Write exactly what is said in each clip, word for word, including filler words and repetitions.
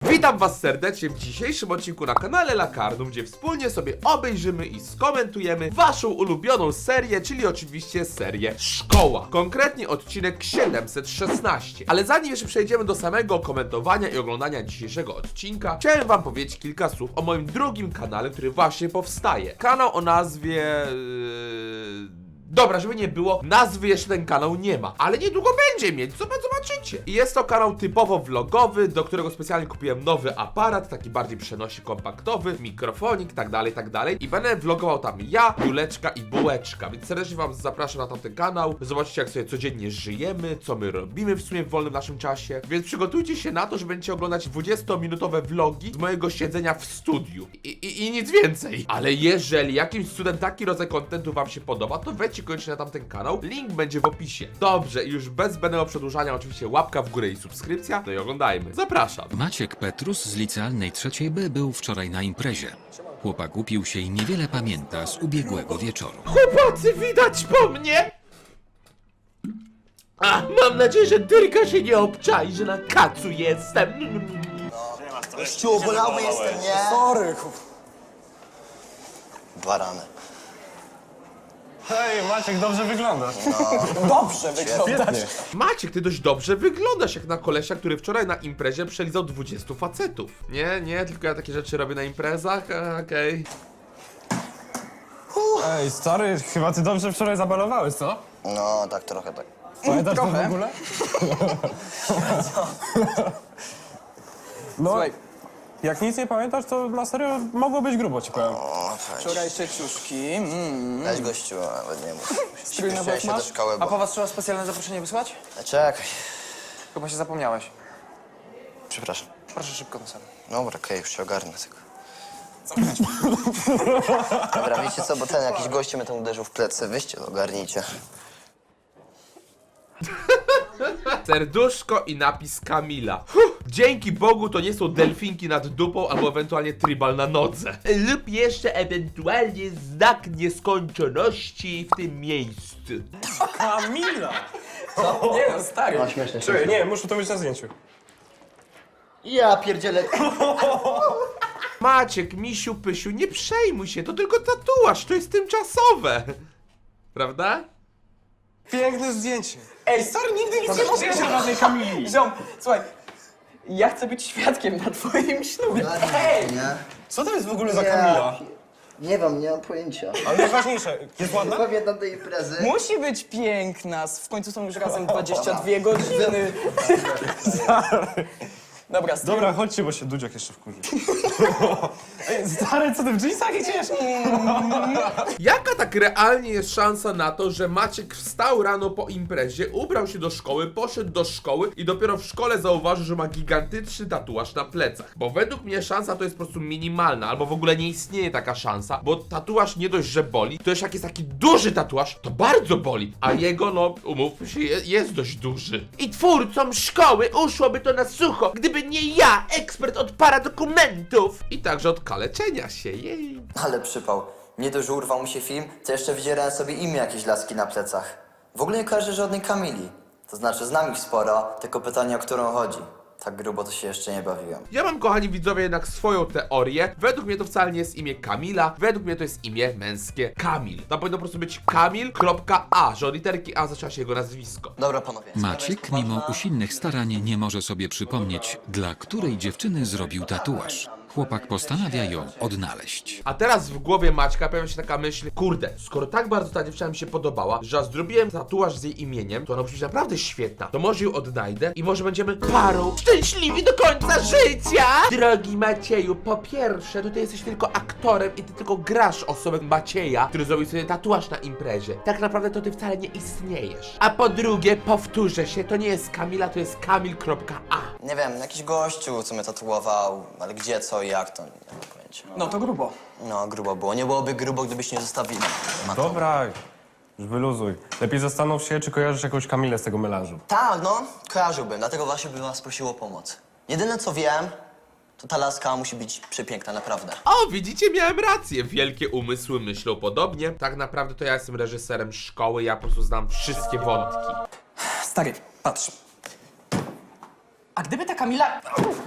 Witam was serdecznie w dzisiejszym odcinku na kanale Lakarnum, gdzie wspólnie sobie obejrzymy i skomentujemy waszą ulubioną serię, czyli oczywiście serię Szkoła. Konkretnie odcinek siedemset szesnaście. Ale zanim jeszcze przejdziemy do samego komentowania i oglądania dzisiejszego odcinka, chciałem wam powiedzieć kilka słów o moim drugim kanale, który właśnie powstaje. Kanał o nazwie... Yy... Dobra, żeby nie było, nazwy jeszcze ten kanał nie ma, ale niedługo będzie mieć, co zobaczycie. I jest to kanał typowo vlogowy, do którego specjalnie kupiłem nowy aparat, taki bardziej przenośny, kompaktowy, mikrofonik, tak dalej, tak dalej. I będę vlogował tam ja, Juleczka i Bułeczka, więc serdecznie wam zapraszam na tamten kanał. Zobaczcie, jak sobie codziennie żyjemy, co my robimy w sumie w wolnym naszym czasie. Więc przygotujcie się na to, że będziecie oglądać dwudziestominutowe vlogi z mojego siedzenia w studiu. I, i, i nic więcej. Ale jeżeli jakimś cudem taki rodzaj kontentu wam się podoba, to weźcie koniecznie na tamten kanał, link będzie w opisie. Dobrze, i już bez zbędnego przedłużania oczywiście łapka w górę i subskrypcja, no i oglądajmy. Zapraszam. Maciek Petrus z licealnej trzeciej B był wczoraj na imprezie. Chłopak upił się i niewiele pamięta z ubiegłego wieczoru. Chłopacy, widać po mnie? A, mam nadzieję, że Dyrka się nie obczai, że na kacu jestem. Gościu, bolały jestem, nie? Sorry. Barany. Hej, Maciek, dobrze wyglądasz. Dobrze wygląda. Maciek, ty dość dobrze wyglądasz jak na kolesia, który wczoraj na imprezie przelizał dwudziestu facetów. Nie, nie, tylko ja takie rzeczy robię na imprezach, e, okej. Ej, stary, chyba ty dobrze wczoraj zabalowałeś, co? No, tak trochę tak. Pamiętasz to w ogóle? No, jak nic nie pamiętasz, to na serio mogło być grubo, ci powiem. O, weź. Wczorajsze ciuszki. Mm. Weź gościu, nawet nie mów. Strój na Śpieszyłem bok się do masz? szkoły, A po bo... was trzeba specjalne zaproszenie wysłać? Czekaj. Chyba się zapomniałeś. Przepraszam. Proszę szybko na salę. Dobra, okej, już się ogarnę tylko. Dobra, wiecie co, bo ten jakiś gościu mnie tam uderzył w plecy. Wyście to ogarnijcie. Serduszko i napis Kamila. Huh, dzięki Bogu to nie są delfinki nad dupą albo ewentualnie tribal na nodze. Lub jeszcze ewentualnie znak nieskończoności w tym miejscu. Kamila! Nie no, stary. No, śmieszne. Czekaj, nie, muszę to mieć na zdjęciu. Ja pierdzielę. Maciek, misiu, pysiu, nie przejmuj się, to tylko tatuaż, to jest tymczasowe. Prawda? Piękne zdjęcie. Ej, stary, nigdy nic nie mówiłeś o żadnej Kamili. Ziom, słuchaj, ja chcę być świadkiem na twoim ślubie. Ej! Nie? Co to jest w ogóle za Kamila? Nie wiem, nie mam pojęcia. Ale najważniejsze, jest ładna? Pamiętam tej imprezy. Musi być piękna, w końcu są już razem dwadzieścia dwie godziny. Dobra, stary. Dobra, chodźcie, bo się Dudziak jeszcze wkurzy. Ej, stary, co ty w dżinsach idziesz? Jaka tak realnie jest szansa na to, że Maciek wstał rano po imprezie, ubrał się do szkoły, poszedł do szkoły i dopiero w szkole zauważył, że ma gigantyczny tatuaż na plecach? Bo według mnie szansa to jest po prostu minimalna, albo w ogóle nie istnieje taka szansa, bo tatuaż nie dość, że boli, to już jak jest taki duży tatuaż, to bardzo boli, a jego, no, umówmy się, je, jest dość duży. I twórcom szkoły uszłoby to na sucho, gdyby nie ja, ekspert od paradokumentów i także od kaleczenia się, jej. Ale przypał. Nie dość, że urwał mi się film, to jeszcze wydzierałem sobie imię jakieś laski na plecach. W ogóle nie kojarzę żadnej Kamili. To znaczy, znam ich sporo, tylko pytanie, o którą chodzi. Tak grubo to się jeszcze nie bawiłem. Ja mam, kochani widzowie, jednak swoją teorię. Według mnie to wcale nie jest imię Kamila, według mnie to jest imię męskie Kamil. Tam powinno po prostu być Kamil.a, że od literki A zaczęła się jego nazwisko. Dobra, panowie. Maciek, mimo usilnych starań, nie może sobie przypomnieć, dla której dziewczyny zrobił tatuaż. Chłopak postanawia ją odnaleźć. A teraz w głowie Maćka pojawia się taka myśl, kurde, skoro tak bardzo ta dziewczyna mi się podobała, że aż zrobiłem tatuaż z jej imieniem, to ona musi być naprawdę świetna. To może ją odnajdę i może będziemy parą szczęśliwi do końca życia! Drogi Macieju, po pierwsze, to ty jesteś tylko aktorem i ty tylko grasz osobę Macieja, który zrobił sobie tatuaż na imprezie. Tak naprawdę to ty wcale nie istniejesz. A po drugie, powtórzę się, to nie jest Kamila, to jest Kamil.a. Nie wiem, jakiś gościu, co mnie tatuował, ale gdzie, co i jak, to nie mam pojęcia. No to grubo. No, grubo było. Nie byłoby grubo, gdybyś nie zostawili. Matą. Dobra, już wyluzuj. Lepiej zastanów się, czy kojarzysz jakąś Kamilę z tego melanżu. Tak, no, kojarzyłbym, dlatego właśnie bym was prosił o pomoc. Jedyne co wiem, to ta laska musi być przepiękna, naprawdę. O, widzicie, miałem rację. Wielkie umysły myślą podobnie. Tak naprawdę to ja jestem reżyserem szkoły, ja po prostu znam wszystkie wątki. Stary, patrz. A gdyby ta Kamila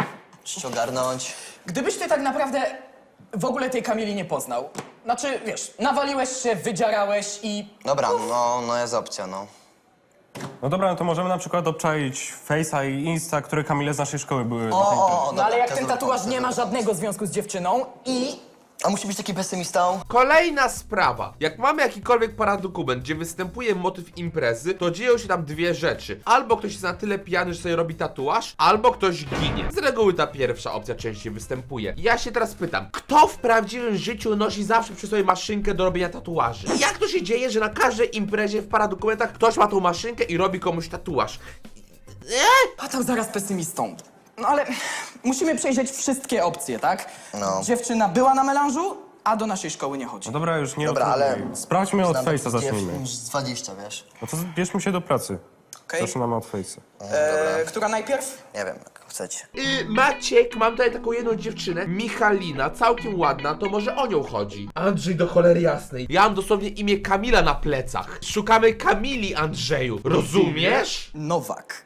Trzeba ogarnąć. Gdybyś ty tak naprawdę w ogóle tej Kamili nie poznał, znaczy, wiesz, nawaliłeś się, wydzierałeś i... Dobra, no, no jest opcja, no. No dobra, no to możemy na przykład obczaić Face'a i Insta, które Kamile z naszej szkoły były. na tej imprezie. O, No ale dobra, jak to ten dobry tatuaż pomysł, nie ma dobry żadnego związku z dziewczyną i... A musi być taki pesymistą? Kolejna sprawa. Jak mamy jakikolwiek paradokument, gdzie występuje motyw imprezy, to dzieją się tam dwie rzeczy. Albo ktoś jest na tyle pijany, że sobie robi tatuaż, albo ktoś ginie. Z reguły ta pierwsza opcja częściej występuje. Ja się teraz pytam, kto w prawdziwym życiu nosi zawsze przy sobie maszynkę do robienia tatuaży? Jak to się dzieje, że na każdej imprezie w paradokumentach ktoś ma tą maszynkę i robi komuś tatuaż? A tam zaraz pesymistą. No ale musimy przejrzeć wszystkie opcje, tak? No. Dziewczyna była na melanżu, a do naszej szkoły nie chodzi. No dobra, już nie Dobra, ale- odtrudniaj. Sprawdźmy od Znam Face'a, takich zacznijmy. dziewczyn z dwadzieścia, wiesz? No to bierzmy się do pracy. Okej. Zaczynamy od Face'a. E, która najpierw? Nie wiem, jak chcecie. Yy, Maciek, mam tutaj taką jedną dziewczynę, Michalina, całkiem ładna, to może o nią chodzi. Andrzej do cholery jasnej. Ja mam dosłownie imię Kamila na plecach. Szukamy Kamili, Andrzeju. Rozumiesz? Nowak.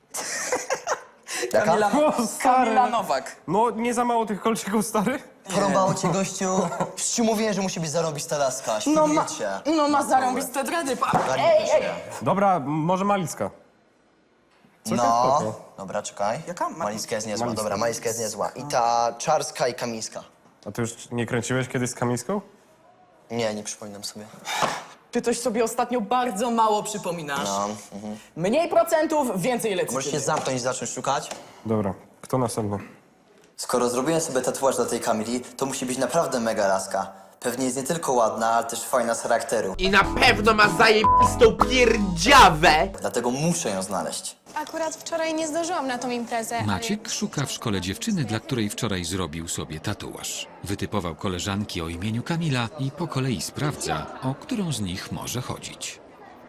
Jaka? Kamila, O, stary. Kamila Nowak. No, nie za mało tych kolczyków, stary? Porąbało cię, gościu? Przecież ci mówiłem, że musi być zarobista laska. No ma, Świetnie. no ma zarąbiste dredy, pa. Ogarnij Ej, się. ej. Dobra, m- może Malicka. Całkiem No, spoko. dobra, czekaj. Jaka? Ma- Maliska jest niezła, Maliska. dobra, Maliska jest niezła. I ta Czarska i Kamińska. A ty już nie kręciłeś kiedyś z Kamińską? Nie, nie przypominam sobie. Ty coś sobie ostatnio bardzo mało przypominasz. No, mhm. Mniej procentów, więcej Możesz się lecytyny. zamknąć i zacząć szukać? Dobra, kto następny? Skoro zrobiłem sobie tatuaż dla tej Kamili, to musi być naprawdę mega laska. Pewnie jest nie tylko ładna, ale też fajna z charakteru. I na pewno ma zajebistą pierdziawę. Dlatego muszę ją znaleźć. Akurat wczoraj nie zdążyłam na tą imprezę. ale- Maciek szuka w szkole dziewczyny, dla której wczoraj zrobił sobie tatuaż. Wytypował koleżanki o imieniu Kamila i po kolei sprawdza, o którą z nich może chodzić.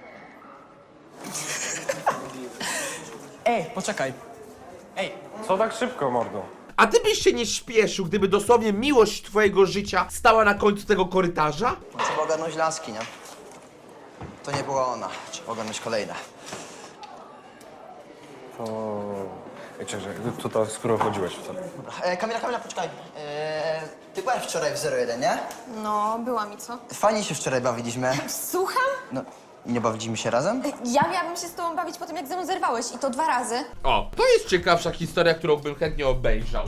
Ej, poczekaj. Ej, Co tak szybko, mordo? A ty byś się nie śpieszył, gdyby dosłownie miłość twojego życia stała na końcu tego korytarza? Trzeba ogarnąć laski, nie? To nie była ona. Trzeba ogarnąć kolejne. To... Wiecie, że tu to, z którą chodziłeś wtedy. E, Kamila, Kamila, poczekaj. E, ty byłaś wczoraj w zero jeden, nie? No, była mi co? Fajnie się wczoraj bawiliśmy. Słucham? No, nie bawiliśmy się razem? Ja miałabym się z tobą bawić po tym, jak ze mną zerwałeś i to dwa razy. O, to jest ciekawsza historia, którą bym chętnie obejrzał.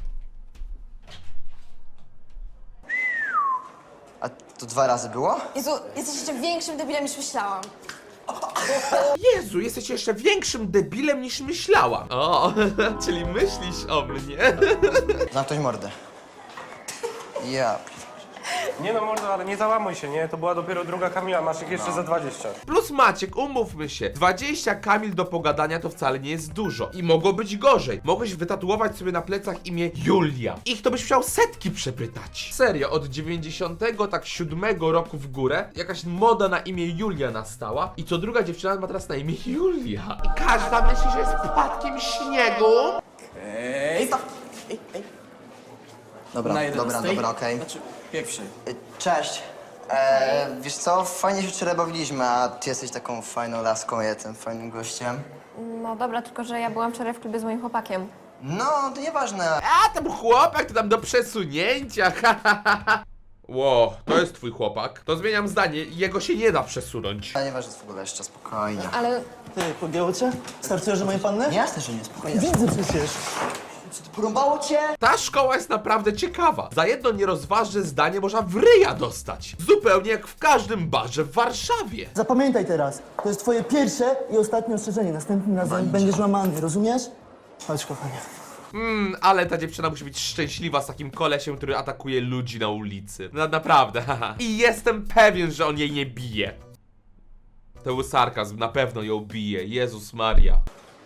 A to dwa razy było? Jezu, jesteś jeszcze większym debilem niż myślałam. Jezu, jesteś jeszcze większym debilem niż myślałam. O, czyli myślisz o mnie. Zamknąć mordę. Ja. Nie no, mordo, ale nie załamuj się, nie? To była dopiero druga Kamila, masz ich jeszcze za dwadzieścia. Plus Maciek, umówmy się, dwadzieścia Kamil do pogadania to wcale nie jest dużo. I mogło być gorzej. Mogłeś wytatuować sobie na plecach imię Julia. Ich to byś musiał setki przepytać. Serio, od dziewięćdziesiątego tak siódmego roku w górę jakaś moda na imię Julia nastała i co druga dziewczyna ma teraz na imię Julia. I każda myśli, że jest spadkiem śniegu. ej, stop. Ej, ej. Dobra, Na dobra, jedenastej? dobra, okej. Znaczy, pierwszej. Y, Cześć. E, wiesz co, fajnie się wczoraj bawiliśmy, a ty jesteś taką fajną laską, ja jestem fajnym gościem. No dobra, tylko że ja byłam wczoraj w klubie z moim chłopakiem. No, to nieważne. A tam chłopak to tam do przesunięcia. ha, ha, ha, ha. Ło, to jest twój chłopak. To zmieniam zdanie, jego się nie da przesunąć. Ale nieważne, w ogóle jeszcze spokojnie. Ale Ty, podjęło cię? Startujesz do mojej panny? Nie, jasne, że nie, spokojnie. Widzę przecież. Porąbało cię? Ta szkoła jest naprawdę ciekawa. Za jedno nierozważne zdanie można w ryja dostać. Zupełnie jak w każdym barze w Warszawie. Zapamiętaj teraz, to jest twoje pierwsze i ostatnie ostrzeżenie. Następnym razem będziesz łamany, rozumiesz? Chodź, kochanie. Mm, ale ta dziewczyna musi być szczęśliwa z takim kolesiem, który atakuje ludzi na ulicy. No, naprawdę, haha. I jestem pewien, że on jej nie bije. To był sarkazm, na pewno ją bije. Jezus Maria.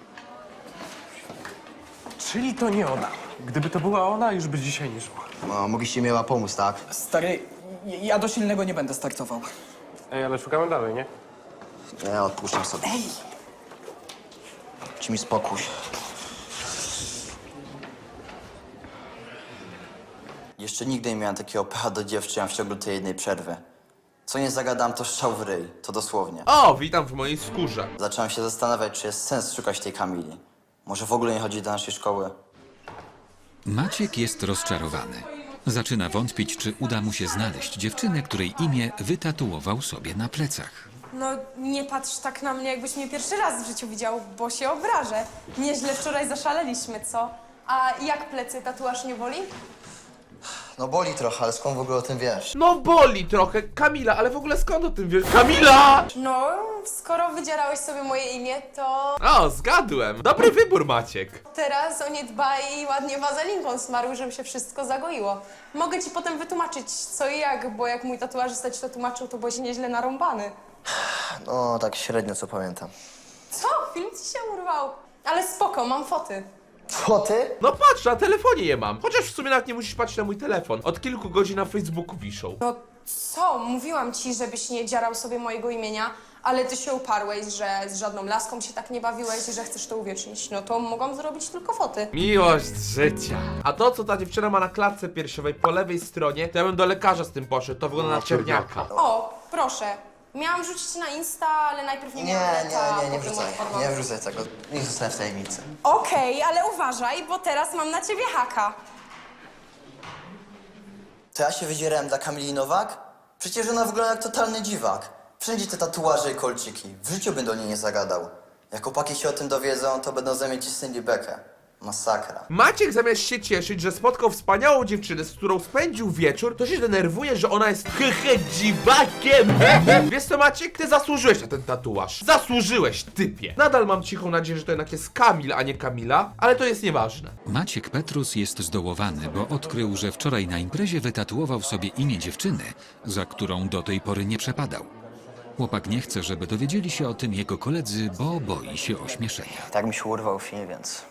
Czyli to nie ona. Gdyby to była ona, już by dzisiaj nie szła. No, mogliście miała pomóc, tak? Stary, ja do silnego nie będę startował. Ej, ale szukamy dalej, nie? Ja odpuszczam sobie. Ej! Ci mi spokój. Jeszcze nigdy nie miałem takiego pecha do dziewczyn w ciągu tej jednej przerwy. Co nie zagadam, to strzał w ryj. To dosłownie. O, witam w mojej skórze. Zacząłem się zastanawiać, czy jest sens szukać tej Kamili. Może w ogóle nie chodzi do naszej szkoły. Maciek jest rozczarowany. Zaczyna wątpić, czy uda mu się znaleźć dziewczynę, której imię wytatuował sobie na plecach. No nie patrz tak na mnie, jakbyś mnie pierwszy raz w życiu widział, bo się obrażę. Nieźle wczoraj zaszaleliśmy, co? A jak plecy, tatuaż nie boli? No boli trochę, ale skąd w ogóle o tym wiesz? No boli trochę. Kamila, ale w ogóle skąd o tym wiesz? Kamila! No, skoro wydzierałeś sobie moje imię, to O, zgadłem. Dobry wybór, Maciek. teraz o nie dbaj i ładnie wazelinką smaruj, żeby się wszystko zagoiło. Mogę ci potem wytłumaczyć co i jak, bo jak mój tatuażysta ci to tłumaczył, to byłeś nieźle narąbany. No, tak średnio co pamiętam. Co? Film ci się urwał? Ale spoko, mam foty. Foty? No patrz, na telefonie je mam. Chociaż w sumie nawet nie musisz patrzeć na mój telefon. Od kilku godzin na Facebooku wiszą. No co? Mówiłam ci, żebyś nie dzierał sobie mojego imienia, ale ty się uparłeś, że z żadną laską się tak nie bawiłeś i że chcesz to uwiecznić. No to mogłam zrobić tylko foty. Miłość życia. A to, co ta dziewczyna ma na klatce piersiowej po lewej stronie, to ja bym do lekarza z tym poszedł. To wygląda na czerniaka. O, proszę. Miałam rzucić na Insta, ale najpierw nie Nie, miałam nie, neta, nie, nie potem wrzucaj. odpadłam. Nie wrzucaj tego. Niech zostanie w tajemnicy. Okej, ale uważaj, bo teraz mam na ciebie haka. To ja się wydzierałem dla Kamili Nowak? Przecież ona wygląda jak totalny dziwak. Wszędzie te tatuaże i kolczyki. W życiu bym do niej nie zagadał. Jak chłopaki się o tym dowiedzą, to będą zamieć ci Cindy bekę. Masakra. Maciek zamiast się cieszyć, że spotkał wspaniałą dziewczynę, z którą spędził wieczór, to się denerwuje, że ona jest hehe dziwakiem. Wiesz co, Maciek? Ty zasłużyłeś na ten tatuaż. Zasłużyłeś, typie. Nadal mam cichą nadzieję, że to jednak jest Kamil, a nie Kamila, ale to jest nieważne. Maciek Petrus jest zdołowany, bo odkrył, że wczoraj na imprezie wytatuował sobie imię dziewczyny, za którą do tej pory nie przepadał. Chłopak nie chce, żeby dowiedzieli się o tym jego koledzy, bo boi się ośmieszenia. Tak mi się urwał film, więc...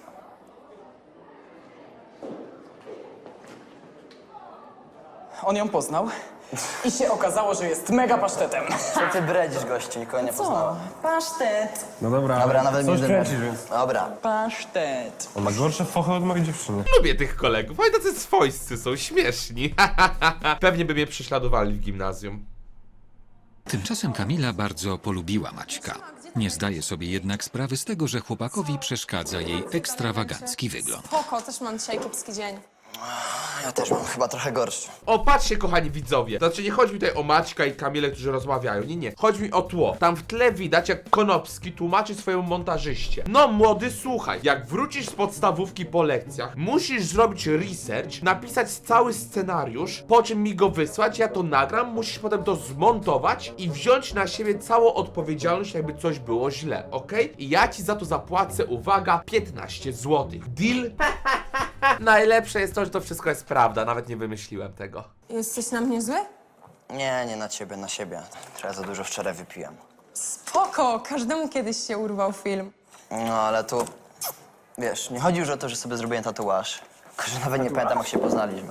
On ją poznał i się okazało, że jest mega pasztetem. Co ty bredzisz, gościu? Nikogo nie poznałem. Pasztet. No dobra, Dobra, ale nawet coś nie kręcisz, denerwuj. więc... Dobra. Pasztet. On ma gorsze fochy od mojej dziewczyny. Lubię tych kolegów, oni tacy swojscy są, śmieszni. Pewnie by mnie prześladowali w gimnazjum. Tymczasem Kamila bardzo polubiła Maćka. Nie zdaje sobie jednak sprawy z tego, że chłopakowi przeszkadza jej ekstrawagancki wygląd. Spoko, też mam dzisiaj kiepski dzień. Ja też mam chyba trochę gorszy. O, patrzcie, kochani widzowie. Znaczy, nie chodzi mi tutaj o Maćka i Kamilę, którzy rozmawiają. Nie, nie. Chodzi mi o tło. Tam w tle widać, jak Konopski tłumaczy swojemu montażyście. No, młody, słuchaj. Jak wrócisz z podstawówki po lekcjach, musisz zrobić research, napisać cały scenariusz, po czym mi go wysłać, ja to nagram, musisz potem to zmontować i wziąć na siebie całą odpowiedzialność, jakby coś było źle, okej? I ja ci za to zapłacę, uwaga, piętnaście złotych. Deal? Najlepsze jest to, że to wszystko jest prawda, nawet nie wymyśliłem tego. Jesteś na mnie zły? Nie, nie na ciebie, na siebie. Trochę za dużo wczoraj wypiłem. Spoko, każdemu kiedyś się urwał film. No, ale tu... Wiesz, nie chodzi już o to, że sobie zrobiłem tatuaż. Tylko, że nawet nie pamiętam, jak się poznaliśmy.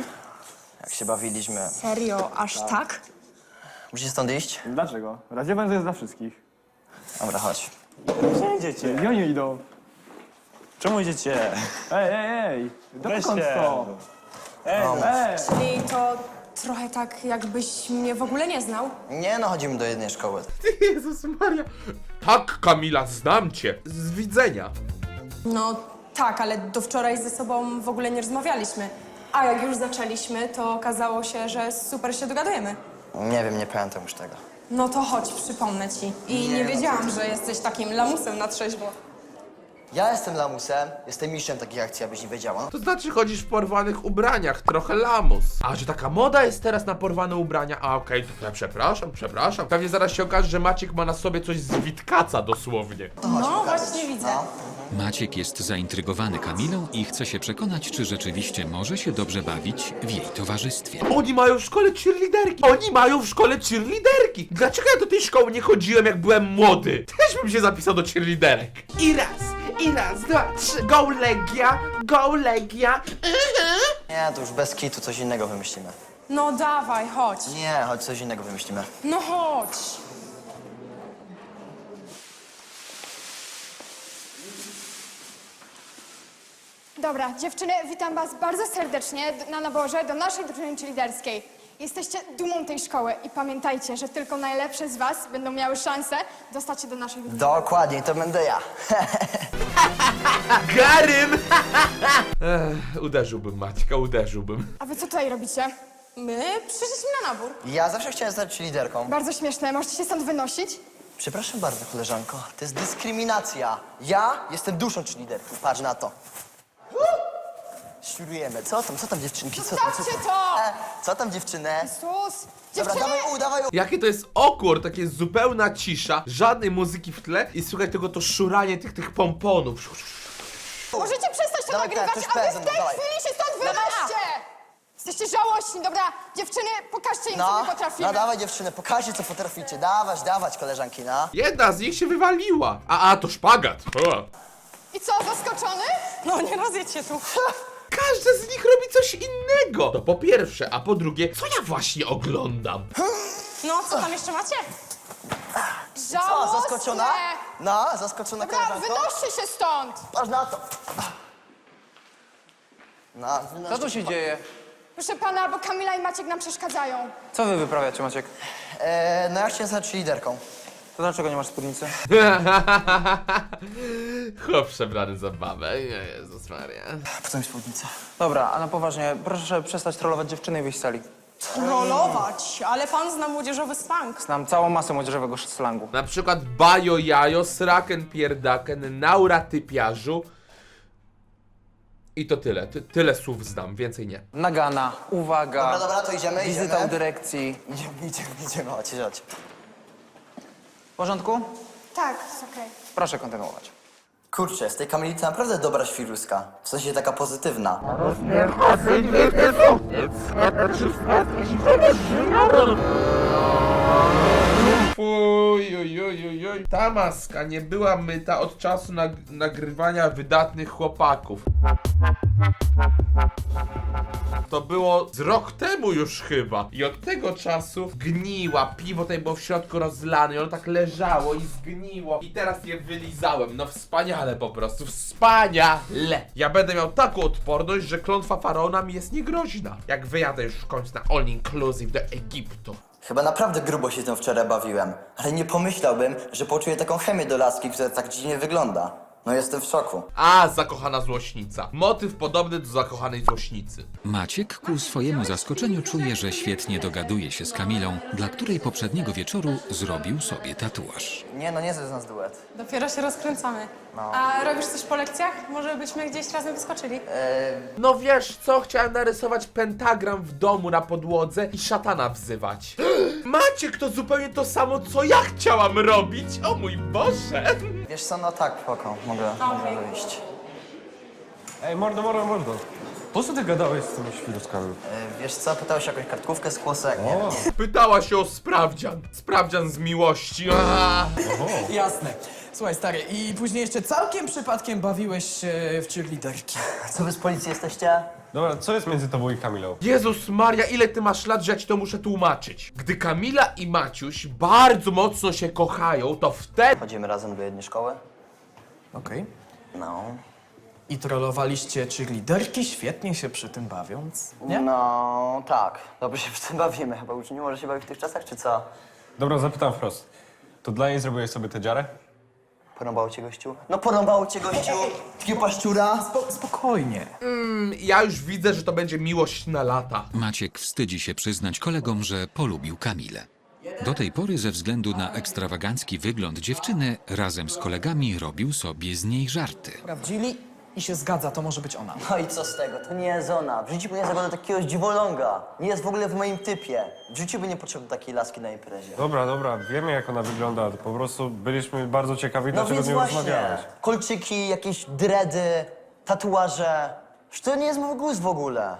Jak się bawiliśmy. Serio, aż tak? Musisz stąd iść? Dlaczego? Radziewan to jest dla wszystkich. Dobra, chodź. Gdzie idziecie? Gdzie oni idą? Czemu idziecie? Ej, ej, ej! Dokąd Weźcie. to? Ej, Ej! Czyli to trochę tak, jakbyś mnie w ogóle nie znał? Nie no, chodzimy do jednej szkoły. Ty, Jezus Maria. Tak, Kamila, znam cię. Z widzenia. No tak, ale do wczoraj ze sobą w ogóle nie rozmawialiśmy. A jak już zaczęliśmy, to okazało się, że super się dogadujemy. Nie wiem, nie pamiętam już tego. No to chodź, przypomnę ci. I nie, no wiedziałam, że jesteś takim lamusem na trzeźwo. Ja jestem lamusem, jestem mistrzem takich akcji, abyś nie wiedziała. To znaczy chodzisz w porwanych ubraniach, trochę lamus. A, że taka moda jest teraz na porwane ubrania? A, okej, to ja przepraszam, przepraszam. Pewnie zaraz się okaże, że Maciek ma na sobie coś z Witkaca dosłownie. No właśnie widzę. Maciek jest zaintrygowany Kamilą i chce się przekonać, czy rzeczywiście może się dobrze bawić w jej towarzystwie. Oni mają w szkole cheerleaderki. Oni mają w szkole cheerleaderki. Dlaczego ja do tej szkoły nie chodziłem, jak byłem młody? Też bym się zapisał do cheerleaderek. I raz, i raz, dwa, trzy. Go Legia, go Legia. Nie, to już bez kitu coś innego wymyślimy. No dawaj, chodź. Nie, chodź coś innego wymyślimy. No chodź. Dobra, dziewczyny, witam was bardzo serdecznie d- na naborze do naszej drużyny cheerleaderskiej. Jesteście dumą tej szkoły i pamiętajcie, że tylko najlepsze z was będą miały szansę dostać się do naszej drużyny. Dokładnie, to będę ja. Garym! Ech, uderzyłbym Maćka, uderzyłbym. A wy co tutaj robicie? My przyszliśmy na nabór. Ja zawsze chciałem stać liderką. Bardzo śmieszne, możecie się stąd wynosić? Przepraszam bardzo, koleżanko, to jest dyskryminacja. Ja jestem duszą liderki, patrz na to. Świrujemy. Co tam, co tam dziewczynki? Co tam, co Zostawcie to! E, co tam dziewczynę? Sus! Dobra, Dziewczyny! dawaj u, dawaj u. Jakie to jest awkward, takie jest zupełna cisza, żadnej muzyki w tle i słychać tylko to szuranie tych, tych pomponów. Możecie przestać to Dawaj, nagrywać, to jest a wy w prezent, tej dawaj. chwili się stąd wynoście! Jesteście żałośni, dobra? Dziewczyny, pokażcie im, co No, my potrafimy. no dawaj dziewczyny, pokażcie co potraficie. Dawać, dawać koleżanki, no. Jedna z nich się wywaliła. A, a, to szpagat. O. I co, zaskoczony? No nie rozjedź się tu. Każdy z nich robi coś innego. To po pierwsze, a po drugie, co ja właśnie oglądam? No, co tam jeszcze macie? Co, Żałosne! zaskoczona? No, zaskoczona Dobra, koleżanko? wynoście się stąd! Patrz na to. No, Co tu się dzieje? Proszę pana, bo Kamila i Maciek nam przeszkadzają. Co wy wyprawiacie, Maciek? e, no ja chciałem stać liderką. To dlaczego nie masz spódnicy? Chłop przebrany za babę. Jezus Maria. Po co mi spódnica? Dobra, a na poważnie, proszę przestać trollować dziewczyny i wyjść z sali. Trollować, ale pan zna młodzieżowy slang. Znam całą masę młodzieżowego slangu. Na przykład bajo jajo, sraken pierdaken, naura typiarzu. I to tyle. Ty, tyle słów znam, więcej nie. Nagana, uwaga, Dobra, dobra, to idziemy, wizyta idziemy. u dyrekcji. Idziemy, idziemy, idziemy, chodź, chodź. W porządku? Tak, jest okej. Proszę kontynuować. Kurczę, z tej Kamili to naprawdę dobra świruska. W sensie taka pozytywna. Fuj, oj, oj, oj, oj. Ta maska nie była myta od czasu nag nagrywania wydatnych chłopaków. To było z rok temu już chyba. I od tego czasu gniła. Piwo tutaj było w środku rozlane i ono tak leżało i zgniło. I teraz je wylizałem. No wspaniale po prostu. Wspaniale. Ja będę miał taką odporność, że klątwa faraona mi jest niegroźna. Jak wyjadę już w końcu na all inclusive do Egiptu. Chyba naprawdę grubo się tym wczoraj bawiłem. Ale nie pomyślałbym, że poczuję taką chemię do laski, która tak dziwnie wygląda. No jestem w szoku. A, zakochana złośnica. Motyw podobny do zakochanej złośnicy. Maciek ku swojemu zaskoczeniu czuje, że świetnie dogaduje się z Kamilą, dla której poprzedniego wieczoru zrobił sobie tatuaż. Nie no, nie jest z nas duet. Dopiero się rozkręcamy. A robisz coś po lekcjach? Może byśmy gdzieś razem wyskoczyli? No wiesz co, chciałem narysować pentagram w domu na podłodze i szatana wzywać. Maciek, to zupełnie to samo, co ja chciałam robić. O mój Boże. Wiesz co, no tak, spoko, mogę, mogę wyjść. Ej, mordo, mordo, mordo. Po co ty gadałeś z tymi świruskami? E, wiesz co, pytałeś o jakąś kartkówkę z kłosek? Nie. Pytała się o sprawdzian. Sprawdzian z miłości. Aaaa. Jasne. Słuchaj, stary, i później jeszcze całkiem przypadkiem bawiłeś się w cheerleaderki. Co wy z policji jesteście? Dobra, co jest między tobą i Kamilą? Jezus Maria, ile ty masz lat, że ja ci to muszę tłumaczyć. Gdy Kamila i Maciuś bardzo mocno się kochają, to wtedy... Chodzimy razem do jednej szkoły? Okej. No. I trollowaliście cheerleaderki, świetnie się przy tym bawiąc, nie? No, tak. Dobrze się w tym bawimy. Chyba już nie może się bawić w tych czasach, czy co? Dobra, zapytam wprost. To dla niej zrobiłeś sobie tę dziarę? Porąbało cię gościu? No porąbało cię gościu! Takie paszczura! Spo- spokojnie. Mm, ja już widzę, że to będzie miłość na lata. Maciek wstydzi się przyznać kolegom, że polubił Kamilę. Do tej pory ze względu na ekstrawagancki wygląd dziewczyny razem z kolegami robił sobie z niej żarty. Sprawdzili i się zgadza, to może być ona. No i co z tego? To nie jest ona. W życiu by nie zagląda takiego dziwoląga. Nie jest w ogóle w moim typie. W życiu by nie potrzebował takiej laski na imprezie. Dobra, dobra, wiemy jak ona wygląda. Po prostu byliśmy bardzo ciekawi, No dlaczego więc nie właśnie. rozmawiałeś. Kolczyki, jakieś dredy, tatuaże. Że to nie jest mój gust w ogóle.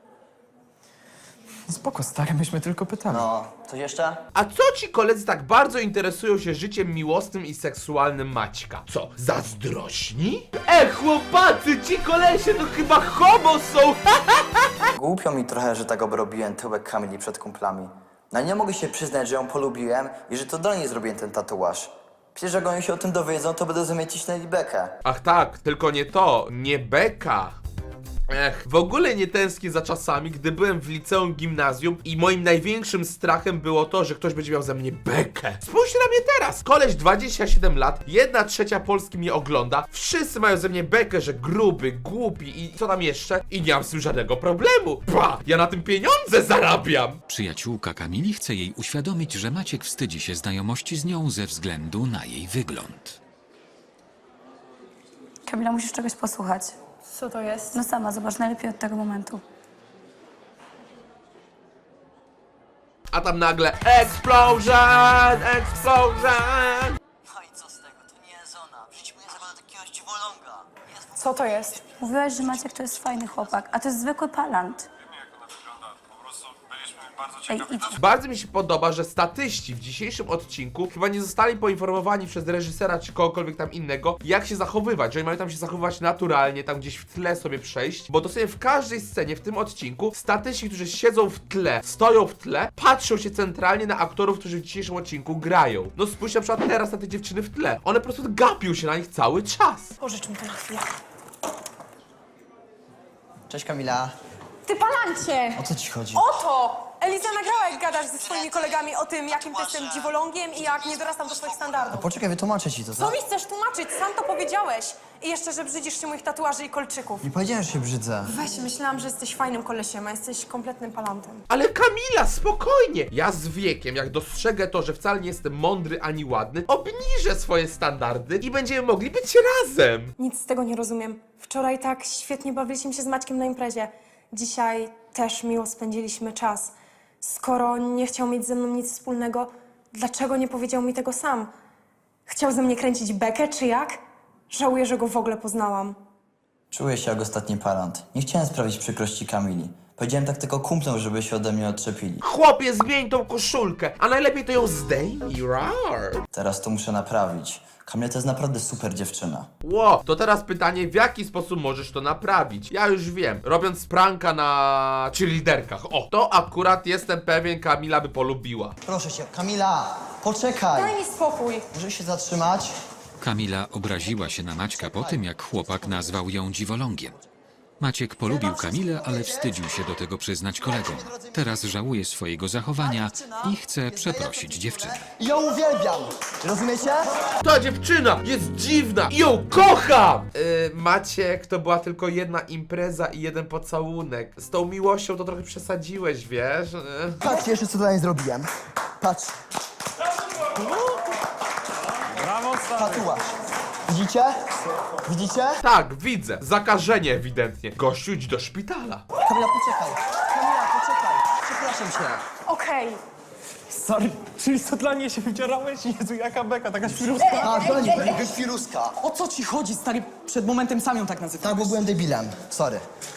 Spoko, stary, myśmy tylko pytali. No, coś jeszcze? A co ci koledzy tak bardzo interesują się życiem miłosnym i seksualnym Maćka? Co, zazdrośni? E, chłopacy, ci kolesie to chyba homo są! Głupio mi trochę, że tak obrobiłem tyłek Kamili przed kumplami. No nie mogę się przyznać, że ją polubiłem i że to do niej zrobiłem ten tatuaż. Przecież jak oni się o tym dowiedzą, to będą zamiecić na bekę. Ach tak, tylko nie to, nie beka. Ech, w ogóle nie tęsknię za czasami, gdy byłem w liceum, gimnazjum i moim największym strachem było to, że ktoś będzie miał ze mnie bekę. Spójrzcie na mnie teraz! Koleś dwadzieścia siedem lat, jedna trzecia Polski mnie ogląda, wszyscy mają ze mnie bekę, że gruby, głupi i co tam jeszcze? I nie mam z tym żadnego problemu. Ba, ja na tym pieniądze zarabiam! Przyjaciółka Kamili chce jej uświadomić, że Maciek wstydzi się znajomości z nią ze względu na jej wygląd. Kamila, musisz czegoś posłuchać. Co to jest? No sama, zobacz, najlepiej od tego momentu. A tam nagle explosion, explosion! No i co z tego? To nie jest ona. W życiu nie zabrała takiego dziwoląga. Co to jest? Mówiłaś, że Maciek to jest fajny chłopak, a to jest zwykły palant. Ej, idź. Bardzo mi się podoba, że statyści w dzisiejszym odcinku chyba nie zostali poinformowani przez reżysera czy kogokolwiek tam innego, jak się zachowywać, że oni mają tam się zachowywać naturalnie, tam gdzieś w tle sobie przejść, bo dosłownie w każdej scenie w tym odcinku statyści, którzy siedzą w tle, stoją w tle, patrzą się centralnie na aktorów, którzy w dzisiejszym odcinku grają. No spójrzcie na przykład teraz na te dziewczyny w tle. One po prostu gapią się na nich cały czas. Pożycz mi to na chwilę. Cześć Kamila. Ty palancie! O co ci chodzi? Oto! Eliza nagrała, jak gadasz ze swoimi kolegami o tym, jakim ty jestem dziwolągiem i jak nie dorastam do swoich standardów. Poczekaj, wytłumaczę ci to, Co tak? mi chcesz tłumaczyć? Sam to powiedziałeś. I jeszcze, że brzydzisz się moich tatuaży i kolczyków. Nie powiedziałem, że się brzydzę. Weź, myślałam, że jesteś fajnym kolesiem, a jesteś kompletnym palantem. Ale Kamila, spokojnie! Ja z wiekiem, jak dostrzegę to, że wcale nie jestem mądry ani ładny, obniżę swoje standardy i będziemy mogli być razem! Nic z tego nie rozumiem. Wczoraj tak świetnie bawiliśmy się z Maćkiem na imprezie. Dzisiaj też miło spędziliśmy czas. Skoro nie chciał mieć ze mną nic wspólnego, dlaczego nie powiedział mi tego sam? Chciał ze mnie kręcić bekę, czy jak? Żałuję, że go w ogóle poznałam. Czuję się jak ostatni parant. Nie chciałem sprawić przykrości Kamili. Powiedziałem tak tylko kumplom, żeby się ode mnie odczepili. Chłopie, zmień tą koszulkę, a najlepiej to ją zdejmij, rar! Teraz to muszę naprawić. Kamila to jest naprawdę super dziewczyna. Ło, to teraz pytanie, w jaki sposób możesz to naprawić? Ja już wiem, robiąc pranka na cheerleaderkach. O, to akurat jestem pewien, Kamila by polubiła. Proszę cię, Kamila, poczekaj. Daj mi spokój. Możesz się zatrzymać? Kamila obraziła się na Maćka po tym, jak chłopak nazwał ją dziwolągiem. Maciek polubił Kamilę, ale wstydził się do tego przyznać kolegom. Teraz żałuje swojego zachowania i chce przeprosić dziewczynę. Ja uwielbiam! Rozumiecie? Ta dziewczyna jest dziwna i ją kocham! Yy, Maciek, to była tylko jedna impreza i jeden pocałunek. Z tą miłością to trochę przesadziłeś, wiesz? Yy. Patrz jeszcze, co dla niej zrobiłem. Patrz, Brawo, stary. tatuaż. Widzicie? Widzicie? Tak, widzę. Zakażenie ewidentnie. Gościu, idź do szpitala. Kamila, poczekaj. Kamila, poczekaj. Przepraszam cię. Okej. Sorry, czyli to dla mnie się wydzierałeś? Jezu, jaka beka, taka świruska. A, dla niej, świruska. O co ci chodzi, stary? Przed momentem sam ją tak nazywałeś. Tak, bo byłem debilem. Sorry.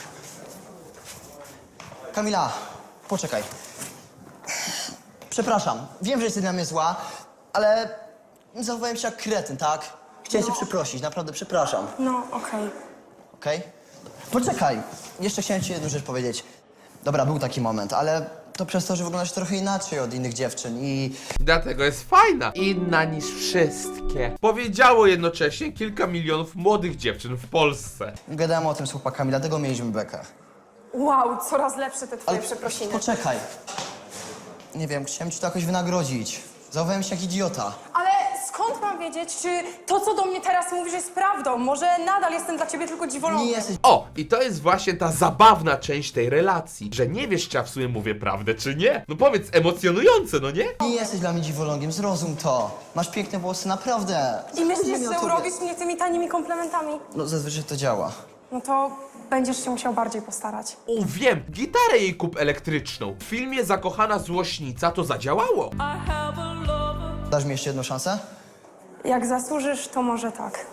Kamila, poczekaj. Przepraszam, wiem, że jesteś dla mnie zła, ale zachowałem się jak kretyn, tak? Chciałem cię przeprosić, naprawdę przepraszam. No, okej. Okej? Poczekaj, jeszcze chciałem ci jedną rzecz powiedzieć. Dobra, był taki moment, ale to przez to, że wyglądasz trochę inaczej od innych dziewczyn i... Dlatego jest fajna. Inna niż wszystkie. Powiedziało jednocześnie kilka milionów młodych dziewczyn w Polsce. Gadałem o tym z chłopakami, dlatego mieliśmy bekę. Wow, coraz lepsze te twoje Ale przeprosiny. poczekaj. Nie wiem, chciałem ci to jakoś wynagrodzić. Zachowałem się jak idiota. Ale skąd mam wiedzieć, czy to, co do mnie teraz mówisz, jest prawdą? Może nadal jestem dla ciebie tylko dziwolągiem? Nie jesteś... O, i to jest właśnie ta zabawna część tej relacji, że nie wiesz, czy ja w sumie mówię prawdę, czy nie. No powiedz, emocjonujące, no nie? Nie jesteś dla mnie dziwolągiem, zrozum to. Masz piękne włosy, naprawdę. I myślisz, Mówię o że tobie. urobisz mnie tymi tanimi komplementami? No zazwyczaj to działa. No to będziesz się musiał bardziej postarać. O, wiem, gitarę jej kup elektryczną. W filmie Zakochana Złośnica to zadziałało. Dasz mi jeszcze jedną szansę? Jak zasłużysz, to może tak.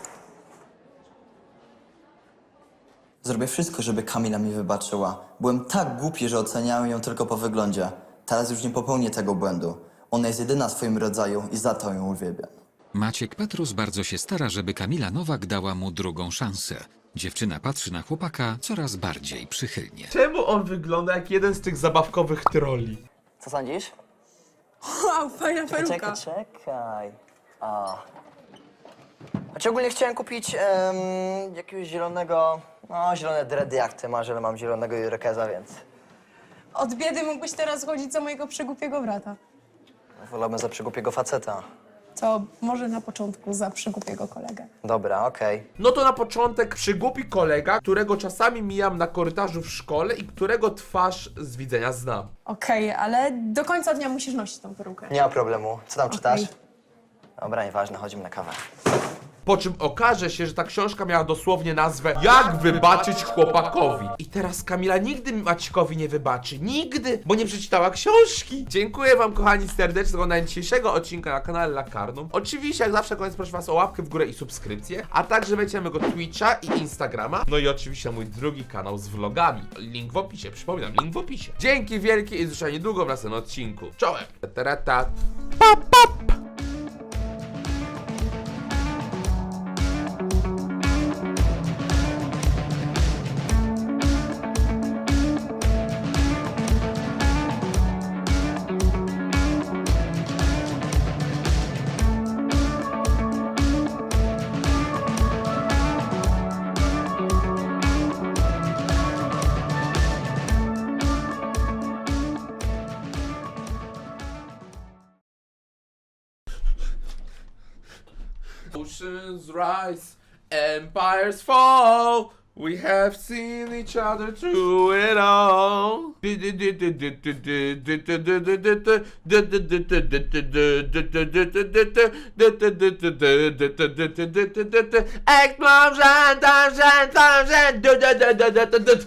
Zrobię wszystko, żeby Kamila mi wybaczyła. Byłem tak głupi, że oceniałem ją tylko po wyglądzie. Teraz już nie popełnię tego błędu. Ona jest jedyna w swoim rodzaju i za to ją uwielbiam. Maciek Petrus bardzo się stara, żeby Kamila Nowak dała mu drugą szansę. Dziewczyna patrzy na chłopaka coraz bardziej przychylnie. Czemu on wygląda jak jeden z tych zabawkowych trolli? Co sądzisz? Wow, fajna peruka. czekaj. A. Znaczy ogólnie chciałem kupić em, jakiegoś zielonego, no zielone dready jak ty masz, ale mam zielonego irekeza, więc Od biedy mógłbyś teraz chodzić za mojego przygłupiego brata. wolałbym za przygłupiego faceta. To może na początku za przygłupiego kolegę. Dobra, okej. No to na początek przygłupi kolega, którego czasami mijam na korytarzu w szkole i którego twarz z widzenia znam. Okej, ale do końca dnia musisz nosić tą perukę. Nie ma problemu. Co tam czytasz? Okej. Dobra, nieważne, chodzimy na kawę. Po czym okaże się, że ta książka miała dosłownie nazwę Jak wybaczyć chłopakowi. I teraz Kamila nigdy Maćkowi nie wybaczy. Nigdy, bo nie przeczytała książki. Dziękuję wam kochani serdecznie za oglądanie dzisiejszego odcinka na kanale Lakarnum. Oczywiście jak zawsze koniec proszę was o łapkę w górę i subskrypcję. A także wejdźcie na mojego Twitcha i Instagrama. No i oczywiście na mój drugi kanał z vlogami. Link w opisie, przypominam, link w opisie. Dzięki wielkie i zresztą niedługo w następnym odcinku. Czołem! Ta-ta-ta. Pap, pap. Oceans rise, empires fall. We have seen each other through it all. Explosion,